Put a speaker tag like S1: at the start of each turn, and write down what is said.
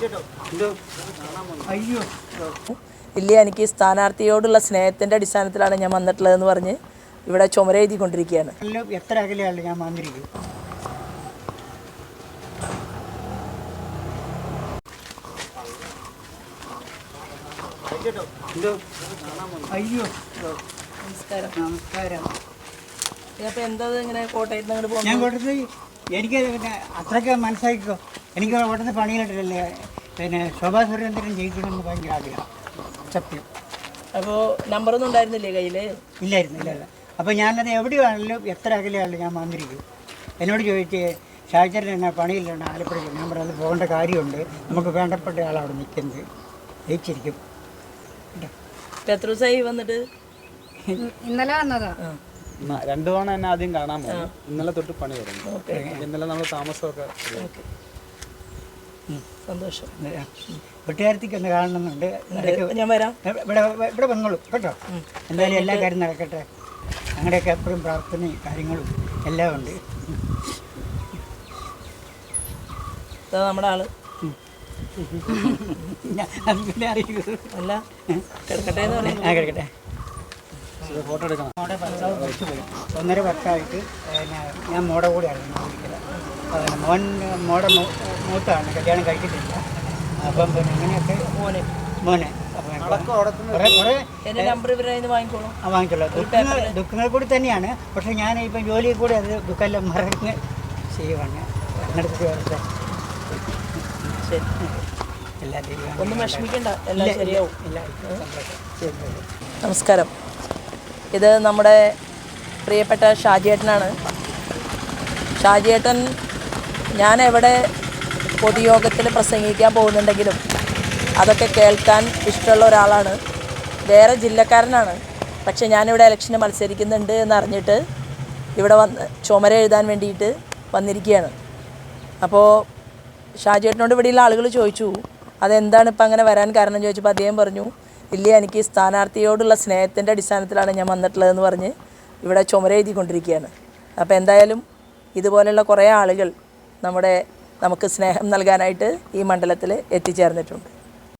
S1: അയ്യോ
S2: ഇല്ല, എനിക്ക് സ്ഥാനാർത്ഥിയോടുള്ള സ്നേഹത്തിൻ്റെ അടിസ്ഥാനത്തിലാണ് ഞാൻ വന്നിട്ടുള്ളതെന്ന് പറഞ്ഞ് ഇവിടെ ചുമര എഴുതിക്കൊണ്ടിരിക്കുകയാണ്.
S1: എത്ര അകലെയാണ് ഞാൻ വന്നിരിക്കും. അയ്യോ
S2: നമസ്കാരം.
S1: നമസ്കാരം.
S2: അപ്പോൾ എന്താ ഇങ്ങനെ കോട്ടയത്ത് നിന്ന് അങ്ങോട്ട്
S1: ഞാൻ
S2: പോകുന്നത്?
S1: കോട്ടയത്ത് എനിക്ക് പിന്നെ അത്രയ്ക്ക് മനസ്സിലാക്കിക്കോ. എനിക്ക് കോട്ടയത്ത് പണിയിലിട്ടില്ലേ പിന്നെ ശോഭാ സുരേന്ദ്രൻ ജയിക്കണമെന്ന് ഭയങ്കര ആഗ്രഹം. സത്യം.
S2: അപ്പോൾ നമ്പറൊന്നും ഉണ്ടായിരുന്നില്ലേ കയ്യിൽ?
S1: ഇല്ലായിരുന്നു. അപ്പോൾ ഞാനത് എവിടെയാണെങ്കിലും എത്ര അകലെയാണെങ്കിലും ഞാൻ വന്നിരിക്കും. എന്നോട് ചോദിച്ച് ഷാജറിന് എന്നാ പണിയില്ലാണ് ആലപ്പുഴയ്ക്ക്. ഞാൻ പറഞ്ഞത് പോകേണ്ട കാര്യമുണ്ട്, നമുക്ക് വേണ്ടപ്പെട്ട ആളവിടെ നിൽക്കുന്നത്, ജയിച്ചിരിക്കും.
S2: ഇപ്പം എത്ര ദിവസമായി വന്നിട്ട്?
S3: ഇന്നലെ വന്നതാ.
S4: 2 തവണ എന്നെ ആദ്യം കാണാൻ പോകും. ഇന്നലെ തൊട്ട് പണി തുടങ്ങി. ഇന്നലെ നമ്മൾ താമസമൊക്കെ.
S2: സന്തോഷം.
S1: വീട്ടുകാരത്തേക്ക് ഒന്ന് കാണണമെന്നുണ്ട്.
S2: ഞാൻ വരാം.
S1: ഇവിടെ വന്നോളൂ കേട്ടോ. എന്തായാലും എല്ലാ കാര്യം നടക്കട്ടെ. ഞങ്ങളുടെയൊക്കെ എപ്പോഴും പ്രാർത്ഥനയും കാര്യങ്ങളും എല്ലാം ഉണ്ട്.
S2: നമ്മുടെ ആള്
S1: പിന്നെ അറിയൂ.
S2: അല്ല കിടക്കട്ടെ എന്ന് പറയാം.
S1: കിടക്കട്ടെ.
S4: ഫോട്ടോ എടുക്കണം.
S1: മോടെ ഭർത്താവ് കുറച്ച് പോയി 1.5 വർഷമായിട്ട് ഞാൻ മോടെ കൂടെയാണ് മോൻ. മോടെ മൂത്താണ്, കല്യാണം കഴിച്ചിട്ടില്ല. അപ്പം പിന്നെ അങ്ങനെയൊക്കെ മോനെ വാങ്ങിച്ചോളൂ. ദുഃഖങ്ങൾ കൂടി തന്നെയാണ്. പക്ഷെ ഞാൻ ഇപ്പം ജോലിയിൽ കൂടി അത് ദുഃഖമെല്ലാം മറന്ന് ചെയ്യുവാണ്. നടത്തി വരട്ടെ.
S2: ഒന്നും വിഷമിക്കണ്ട, എല്ലാം ശരിയാവും. നമസ്കാരം. ഇത് നമ്മുടെ പ്രിയപ്പെട്ട ഷാജിയേട്ടനാണ്. ഷാജിയേട്ടൻ ഞാൻ എവിടെ പൊതുയോഗത്തിൽ പ്രസംഗിക്കാൻ പോകുന്നുണ്ടെങ്കിലും അതൊക്കെ കേൾക്കാൻ ഇഷ്ടമുള്ള ഒരാളാണ്. വേറെ ജില്ലക്കാരനാണ്. പക്ഷെ ഞാനിവിടെ ഇലക്ഷന് മത്സരിക്കുന്നുണ്ട് എന്നറിഞ്ഞിട്ട് ഇവിടെ വന്ന് ചുമര എഴുതാൻ വേണ്ടിയിട്ട് വന്നിരിക്കുകയാണ്. അപ്പോൾ ഷാജിയേട്ടനോട് ഇവിടെയുള്ള ആളുകൾ ചോദിച്ചു അതെന്താണ് ഇപ്പം അങ്ങനെ വരാൻ കാരണം ചോദിച്ചപ്പോൾ അദ്ദേഹം പറഞ്ഞു, ഇല്ല, എനിക്ക് സ്ഥാനാർത്ഥിയോടുള്ള സ്നേഹത്തിൻ്റെ അടിസ്ഥാനത്തിലാണ് ഞാൻ വന്നിട്ടുള്ളതെന്ന് പറഞ്ഞ് ഇവിടെ ചുമര എഴുതിക്കൊണ്ടിരിക്കുകയാണ്. അപ്പോൾ എന്തായാലും ഇതുപോലെയുള്ള കുറേ ആളുകൾ നമുക്ക് സ്നേഹം നൽകാനായിട്ട് ഈ മണ്ഡലത്തിൽ എത്തിച്ചേർന്നിട്ടുണ്ട്.